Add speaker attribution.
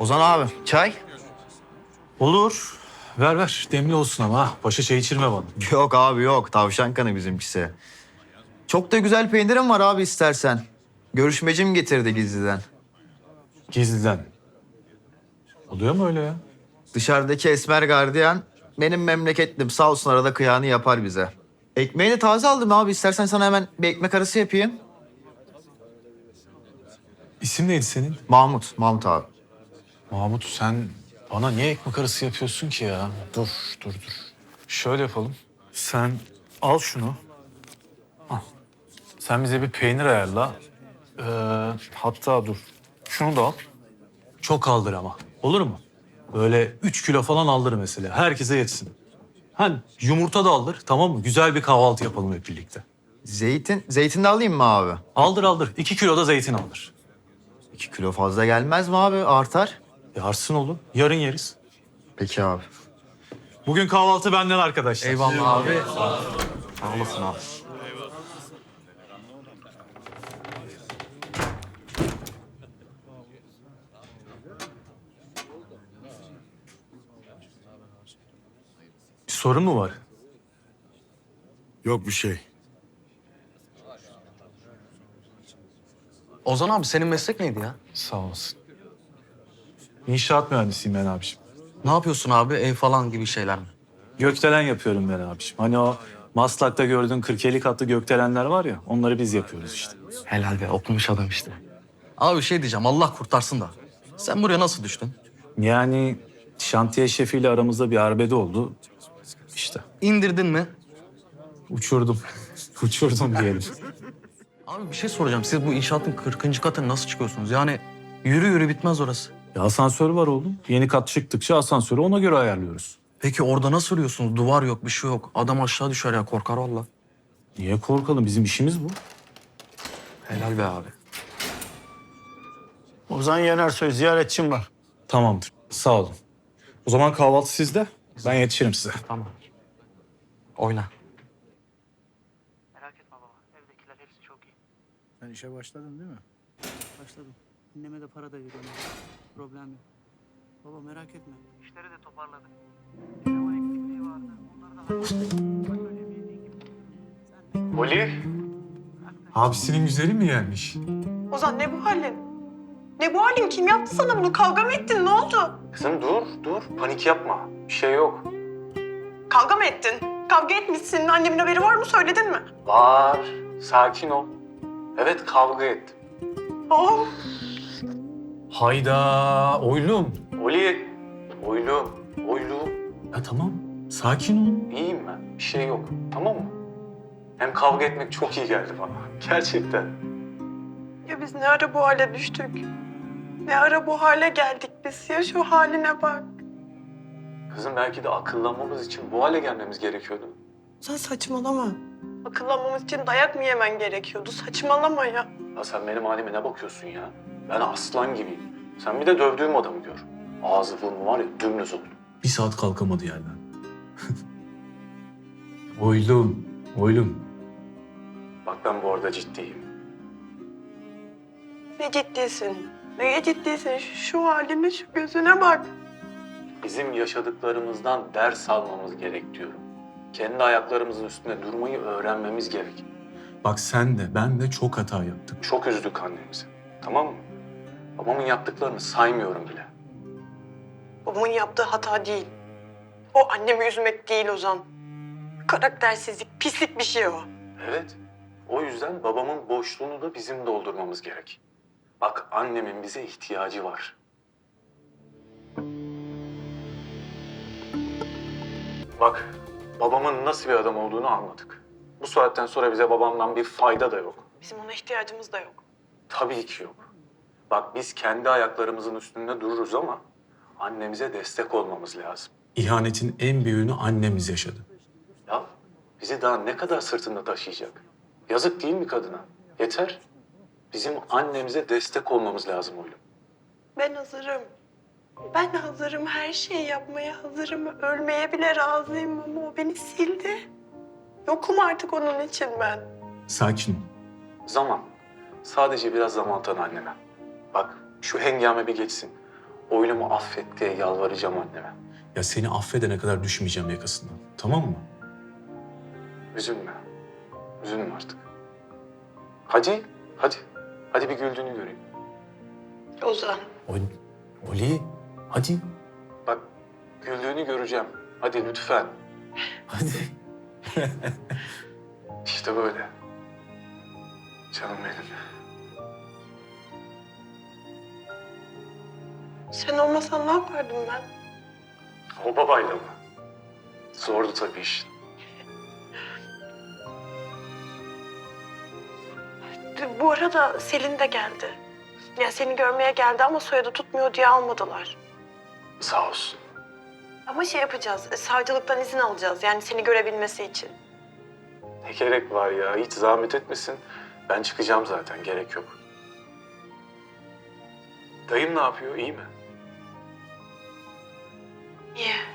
Speaker 1: Ozan abi çay?
Speaker 2: Olur. Ver ver. Demli olsun ama ha. Paşa çay içirme bana.
Speaker 1: Yok abi yok. Tavşan kanı bizimkisi. Çok da güzel peynirim var abi istersen. Görüşmecim getirdi gizliden.
Speaker 2: Gizliden. Oluyor mu öyle ya?
Speaker 1: Dışarıdaki esmer gardiyan benim memleketlim. Sağ olsun arada kıyağını yapar bize. Ekmeği de taze aldım abi. İstersen sana hemen bir ekmek arası yapayım.
Speaker 2: İsim neydi senin?
Speaker 1: Mahmut abi.
Speaker 2: Mahmut, sen bana niye ekmek arası yapıyorsun ki ya? Dur. Şöyle yapalım. Sen al şunu. Al. Sen bize bir peynir ayarla. Hatta dur. Şunu da al. Çok aldır ama. Olur mu? Böyle 3 kilo falan aldır mesela. Herkese yetsin. Hani yumurta da aldır, tamam mı? Güzel bir kahvaltı yapalım hep birlikte.
Speaker 1: Zeytin de alayım mı abi?
Speaker 2: Aldır. 2 kilo da zeytin aldır.
Speaker 1: 2 kilo fazla gelmez mi abi? Artar.
Speaker 2: Yarsın oğlum. Yarın yeriz.
Speaker 1: Peki abi.
Speaker 2: Bugün kahvaltı benden arkadaşlar.
Speaker 1: Eyvallah abi. Sağ olasın abi.
Speaker 2: Bir sorun mu var?
Speaker 3: Yok bir şey.
Speaker 4: Ozan abi senin meslek neydi ya?
Speaker 2: Sağ olasın. İnşaat mühendisiyim ben abiciğim.
Speaker 4: Ne yapıyorsun abi? Ev falan gibi şeyler mi?
Speaker 2: Gökdelen yapıyorum ben abiciğim. Hani o Maslak'ta gördüğün 40-50 katlı gökdelenler var ya, onları biz yapıyoruz işte.
Speaker 4: Helal be, okumuş adam işte. Abi bir şey diyeceğim, Allah kurtarsın da. Sen buraya nasıl düştün?
Speaker 2: Yani şantiye şefiyle aramızda bir arbede oldu. İşte
Speaker 4: İndirdin mi?
Speaker 2: uçurdum. Uçurdum diyelim.
Speaker 4: Abi bir şey soracağım. Siz bu inşaatın 40. katına nasıl çıkıyorsunuz? Yani yürü bitmez orası.
Speaker 2: Ya asansör var oğlum. Yeni kat çıktıkça asansörü ona göre ayarlıyoruz.
Speaker 4: Peki orada nasıl yürüyorsunuz? Duvar yok, bir şey yok. Adam aşağı düşer ya, korkar valla.
Speaker 2: Niye korkalım? Bizim işimiz bu.
Speaker 4: Helal be abi.
Speaker 3: Ozan Yenersoy ziyaretçim var.
Speaker 2: Tamamdır. Sağ olun. O zaman kahvaltı sizde. Ben yetişirim size.
Speaker 4: Tamam. Oyna.
Speaker 5: Merak etme baba. Evdekiler hepsi çok iyi.
Speaker 3: Sen işe başladın değil mi?
Speaker 5: Başladım. Anneme de para da veriyorum. Problem yok. Baba merak etme. İşleri de toparladık. Sinema eksikliği vardı. Onları da hallettik. Bak öyle bildiğin gibi. Sen de...
Speaker 2: Oli. Abisinin güzeli mi gelmiş?
Speaker 6: Ozan ne bu halin? Ne bu halin? Kim yaptı sana bunu? Kavga mı ettin? Ne oldu?
Speaker 2: Kızım dur. Panik yapma. Bir şey yok.
Speaker 6: Kavga mı ettin? Kavga etmişsin. Annemin haberi var mı? Söyledin mi?
Speaker 2: Var. Sakin ol. Evet, kavga ettim.
Speaker 6: Oh.
Speaker 2: Hayda. Oylum. Oli. Oylum. Ya tamam. Sakin ol. İyiyim ben. Bir şey yok. Tamam mı? Hem kavga etmek çok iyi geldi bana. Gerçekten.
Speaker 6: Ya biz ne ara bu hale düştük? Ne ara bu hale geldik biz? Ya şu haline bak.
Speaker 2: Kızım belki de akıllanmamız için bu hale gelmemiz gerekiyordu.
Speaker 6: Sen saçmalama. Akıllanmamız için dayak mı yemen gerekiyordu? Saçmalama ya.
Speaker 2: Ya sen benim halime ne bakıyorsun ya? Ben aslan gibiyim. Sen bir de dövdüğüm adamı gör. Ağzı burnu var ya dümdüz oldu. Bir saat kalkamadı yerden. Oylum. Bak ben bu arada ciddiyim.
Speaker 6: Ne ciddisin? Ne ciddisin? Şu haline, şu gözüne bak.
Speaker 2: Bizim yaşadıklarımızdan ders almamız gerek diyorum. Kendi ayaklarımızın üstünde durmayı öğrenmemiz gerek. Bak sen de ben de çok hata yaptık. Çok üzdük annemizi. Tamam mı? Babamın yaptıklarını saymıyorum bile.
Speaker 6: Babamın yaptığı hata değil. O annemi üzmek değil Ozan. Karaktersizlik, pislik bir şey o.
Speaker 2: Evet. O yüzden babamın boşluğunu da bizim doldurmamız gerek. Bak annemin bize ihtiyacı var. Bak babamın nasıl bir adam olduğunu anladık. Bu saatten sonra bize babamdan bir fayda da yok.
Speaker 6: Bizim ona ihtiyacımız da yok.
Speaker 2: Tabii ki yok. Bak biz kendi ayaklarımızın üstünde dururuz ama annemize destek olmamız lazım. İhanetin en büyüğünü annemiz yaşadı. Ya bizi daha ne kadar sırtında taşıyacak? Yazık değil mi kadına? Yeter. Bizim annemize destek olmamız lazım oğlum.
Speaker 6: Ben hazırım. Ben hazırım. Her şeyi yapmaya hazırım. Ölmeye bile razıyım ama o beni sildi. Yokum artık onun için ben.
Speaker 2: Sakin ol. Zaman. Sadece biraz zaman tanı anneme. Bak şu hengame bir geçsin. Oylumu affet diye yalvaracağım anneme. Ya seni affedene kadar düşmeyeceğim yakasından. Tamam mı? Üzülme. Üzülme artık. Hadi, hadi. Hadi bir güldüğünü göreyim.
Speaker 6: Ozan.
Speaker 2: Oli, hadi. Bak, güldüğünü göreceğim. Hadi lütfen. Hadi. İşte böyle. Canım benim.
Speaker 6: Sen olmasan ne yapardım ben?
Speaker 2: O babayla mı? Zordu tabii işin.
Speaker 6: Bu arada Selin de geldi. Ya seni görmeye geldi ama soyadı tutmuyor diye almadılar.
Speaker 2: Sağ olsun.
Speaker 6: Ama şey yapacağız, savcılıktan izin alacağız yani seni görebilmesi için.
Speaker 2: Ne gerek var ya? Hiç zahmet etmesin. Ben çıkacağım zaten. Gerek yok. Dayım ne yapıyor? İyi mi?
Speaker 6: İyi.